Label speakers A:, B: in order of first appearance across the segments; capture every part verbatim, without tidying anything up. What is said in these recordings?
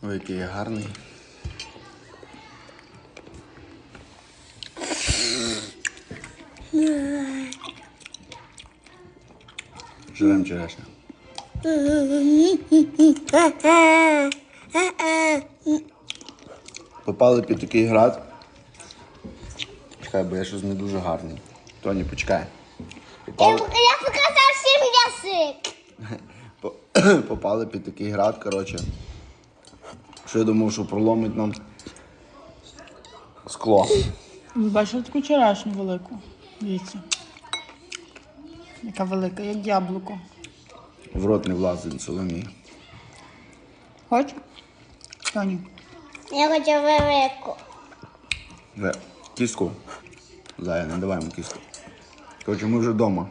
A: Ой, який я гарний. Жрем черешню. Попали під такий град. Чекай, бо я щось не дуже гарний. Тоні, почекай. Попали...
B: Я показав всім язик.
A: Попали під такий град, коротше. Що я думав, що проломить нам скло.
C: Бачив таку черешню велику. Дивіться. Яка велика, як яблуко.
A: В рот не влазить Соломії.
C: Хоч? Тоні.
B: Я хочу велику.
A: Вже кістку. Зая, не давай йому кістку. Коротше, ми вже вдома.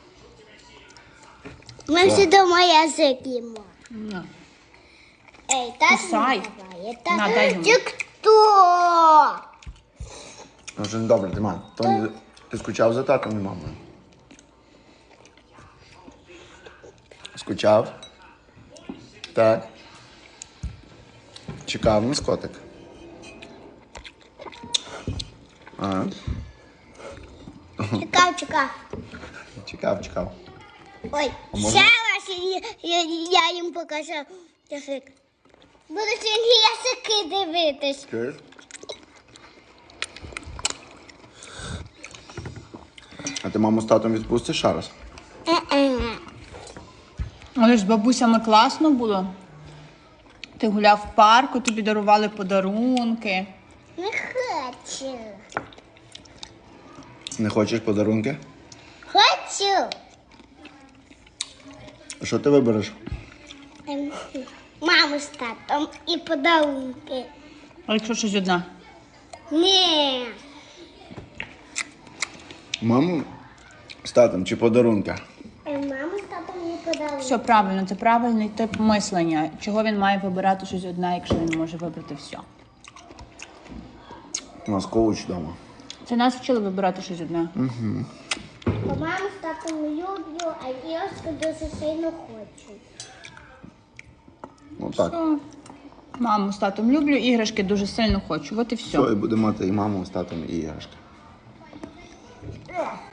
B: Ми всі дома язик їмо.
C: На.
B: Ей, тато
C: Кусай.
B: не давай.
C: На,
B: Тато.
C: дай йому.
B: Ти хто?
A: Ну, вже не добре, ти мам. Тоні, ти скучав за татом і мамою? Скучав? Так. Чекав на скотик? А,
B: Чекав, чекав.
A: чекав, чекав.
B: Ой,
A: А можна?
B: ще раз я, я, я їм покажу язик. Буду сьогодні язики дивитись.
A: Чуєш? А ти маму з татом відпустиш ще раз?
B: Е-е.
C: Але ж з бабусями класно було. Ти гуляв в парку, тобі дарували подарунки.
B: Не хочу.
A: Не хочеш подарунки?
B: Хочу.
A: А що ти вибереш?
B: Ем, Маму з татом і подарунки.
C: А якщо щось одна?
B: Ні.
A: Маму з татом чи подарунки?
B: Ем, Маму з татом і подарунки.
C: Все правильно, це правильний тип мислення. Чого він має вибирати щось одне, якщо він може вибрати все?
A: У нас коуч вдома.
C: Це нас вчили вибирати щось одне.
B: Бо маму з татом люблю, а іграшки дуже сильно хочу.
A: Ну так.
C: Все. Маму з татом люблю, іграшки дуже сильно хочу. От і все.
A: Все, і буде мати і маму з татом, і іграшки.